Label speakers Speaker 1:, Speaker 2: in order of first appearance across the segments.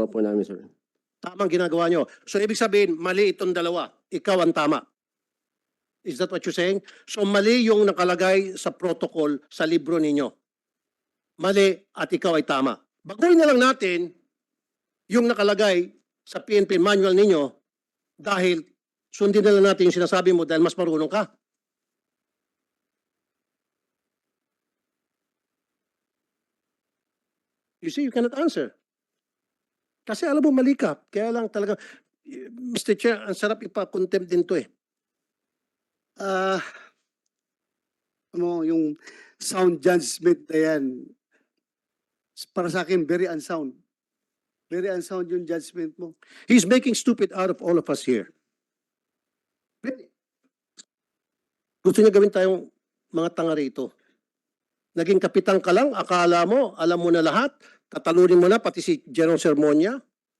Speaker 1: ginagawa po namin, sir.
Speaker 2: Tamang ginagawa nyo. So ibig sabihin, mali itong dalawa. Ikaw ang tama. Is that what you're saying? So mali yung nakalagay sa protocol sa libro ninyo. Mali at ikaw ay tama. Baguhin na lang natin yung nakalagay sa PNP manual ninyo dahil sundin na lang natin yung sinasabi mo dahil mas marunong ka. You see, you cannot answer. Kasi alam mo, mali ka. Kaya lang talaga, Mr. Chair, ang sarap ipa-contempt din to eh.
Speaker 3: Yung sound judgment na yan, para sa akin, very unsound. Very unsound yung judgment mo.
Speaker 2: He's making stupid out of all of us here. Really? Gusto niya gawin tayong mga tanga rito. Naging kapitan ka lang, akala mo, alam mo na lahat, tatalunin mo na pati si General Sermonia.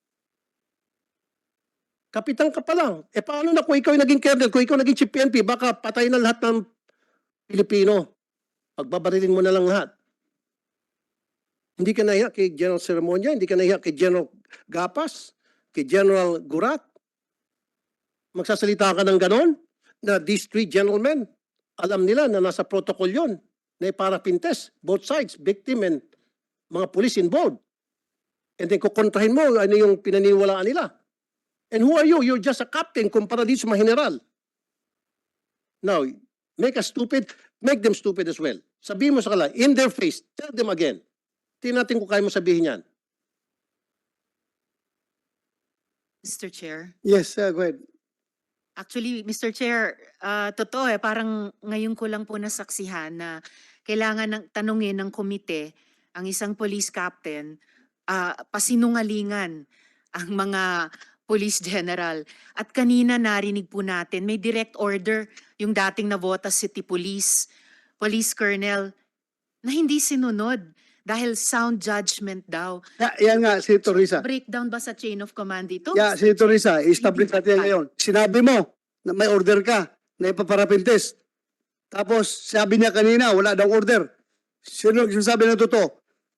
Speaker 2: Kapitan ka pa lang. E paano na kung ikaw yung naging colonel, kung ikaw naging chief PNP, baka patay na lahat ng Pilipino. Pagbabarilin mo na lang lahat. Hindi ka nahiya kay General Sermonia, hindi ka nahiya kay General Gapas, kay General Gurat. Magsasalita ka ng ganon na these three gentlemen, alam nila na nasa protocol yon na para pintes, both sides, victim and mga police involved. And then kukontrahin mo ano yung pinaniwalaan nila. And who are you? You're just a captain kumpara dito sa mga general. Now, make us stupid, make them stupid as well. Sabihin mo sa kanila, in their face, tell them again. Tingnan natin kung kaya mo sabihin yan.
Speaker 4: Mr. Chair.
Speaker 3: Yes, go ahead.
Speaker 4: Actually, Mr. Chair, totoo parang ngayon ko lang po nasaksihan na kailangan ng tanungin ng komite ang isang police captain, pasinungalingan ang mga police general. At kanina narinig po natin, may direct order yung dating Navotas City Police Colonel na hindi sinunod dahil sound judgment daw.
Speaker 3: Yan nga, si Teresa.
Speaker 4: Breakdown ba sa chain of command ito?
Speaker 3: Yeah, si Teresa, establish natin ngayon. Sinabi mo na may order ka na ipaparapintes. Tapos sabi niya kanina, wala daw order. Sino nagsasabi na totoo?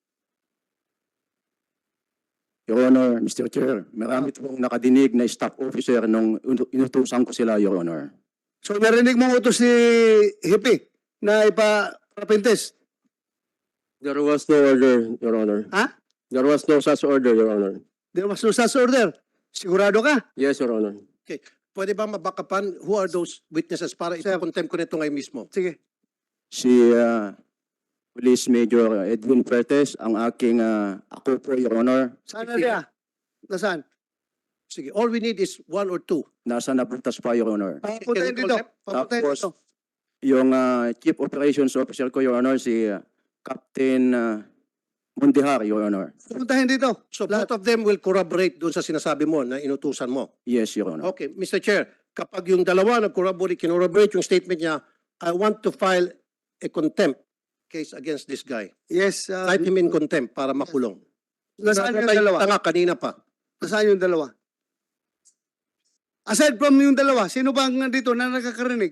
Speaker 1: Your Honor, Mr. Chair, marami pong nakadinig na staff officer nung inutusan ko sila, Your Honor.
Speaker 3: So narinig mo utos si Hippie na ipaparapintes.
Speaker 1: There was no order, Your Honor.
Speaker 3: Ha?
Speaker 1: There was no such order, Your Honor.
Speaker 3: There was no such order. Sigurado ka?
Speaker 1: Yes, Your Honor.
Speaker 2: Pwede ba mabakapan who are those witnesses para ito-contempt ko nito ngayon mismo?
Speaker 3: Sige.
Speaker 1: Si Police Major Edwin Pertes, ang aking ako po, Your Honor.
Speaker 3: Saan na niya? Nasaan?
Speaker 2: Sige, all we need is one or two.
Speaker 1: Nasa napuntas pa, Your Honor.
Speaker 3: Papuntahin dito. Papuntahin
Speaker 1: Tapos,
Speaker 3: dito.
Speaker 1: yung Chief Operations Officer ko, Your Honor, si Captain Mundihar, Your Honor.
Speaker 3: Papuntahin dito.
Speaker 2: So both of them will corroborate doon sa sinasabi mo na inutusan mo.
Speaker 1: Yes, Your Honor.
Speaker 2: Okay, Mr. Chair, kapag yung dalawa nag-corroborate yung statement niya, I want to file a contempt case against this guy.
Speaker 3: Yes.
Speaker 2: Type him in contempt para makulong.
Speaker 3: Nasaan yung
Speaker 2: Tayo
Speaker 3: dalawa?
Speaker 2: tanga kanina pa.
Speaker 3: Nasaan yung dalawa? Aside from yung dalawa, sino ba ang nandito na nakakarinig?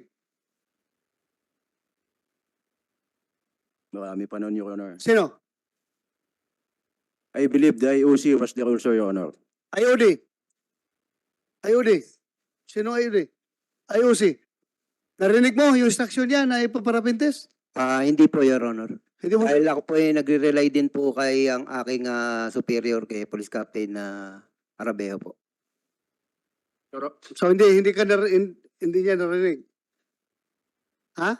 Speaker 1: Marami pa nun, Your Honor.
Speaker 3: Sino?
Speaker 1: I believe the IOC was there also, Your Honor.
Speaker 3: IOD. IOD. Sino IOD? IOC. Narinig mo yung instruction niya na ipaparapintes?
Speaker 5: Hindi po, Your Honor.
Speaker 3: Hindi mo.
Speaker 5: Dahil ako po ay nagre-rely din po kay ang aking superior kay Police Captain na Arabeo po.
Speaker 3: So hindi hindi niya narinig. Ha?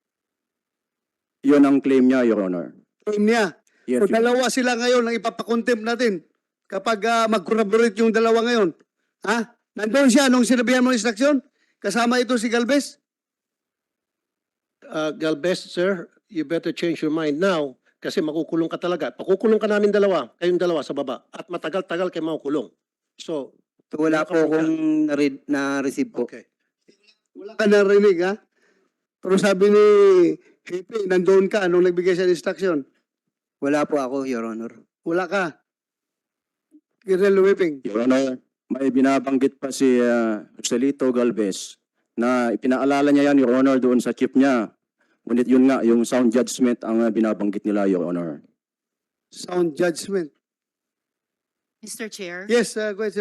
Speaker 1: Yun ang claim niya, Your Honor.
Speaker 3: Claim niya.
Speaker 1: Yes,
Speaker 3: So
Speaker 1: Your Honor.
Speaker 3: dalawa sila ngayon ang ipapakontempt natin kapag mag-corroborate yung dalawa ngayon. Ha? Nandun siya nung sinabihan mo ng instruction? Kasama ito si Galvez?
Speaker 2: Galvez, sir, you better change your mind now kasi makukulong ka talaga. Pakukulong ka namin dalawa, kayong dalawa sa baba. At matagal-tagal kayo makukulong. So,
Speaker 5: So wala po akong na-receive po.
Speaker 2: okay.
Speaker 3: Wala ka narinig, ha? Pero sabi ni Hepe, nandun ka nung nagbigay siya ng instruction.
Speaker 5: Wala po ako, Your Honor.
Speaker 3: Wala ka. Colonel Whipping.
Speaker 1: Your Honor, may binabanggit pa si Joselito Galvez na ipinaalala niya yan, Your Honor, doon sa chief niya. Ngunit yun nga, yung sound judgment ang binabanggit nila, Your Honor.
Speaker 3: Sound judgment.
Speaker 4: Mr. Chair?
Speaker 3: Yes, go ahead,